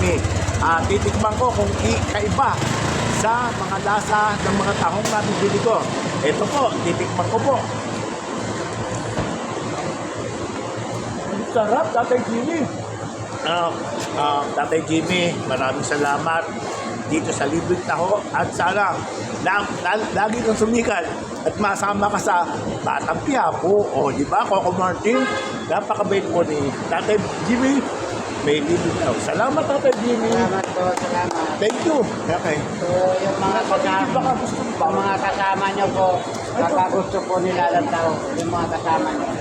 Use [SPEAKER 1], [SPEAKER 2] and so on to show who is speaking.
[SPEAKER 1] Jimmy. Titikman ko kung kaiba sa mga lasa ng mga tahong na bibili ko. Ito po, titikman ko po. Ang sarap, Tatay Jimmy. Tatay Jimmy, maraming salamat dito sa libreng taho at sana lagi kang sumikat at masama ka sa Batang Quiapo o di ba Coco Martin, napakabait po ni Tatay Jimmy, may libreng taho. Salamat Tatay Jimmy.
[SPEAKER 2] Salamat po, salamat.
[SPEAKER 1] Thank you. Okay.
[SPEAKER 2] So, yung mga kasama nyo po, baka gusto po nila ng tao, yung mga kasama nyo.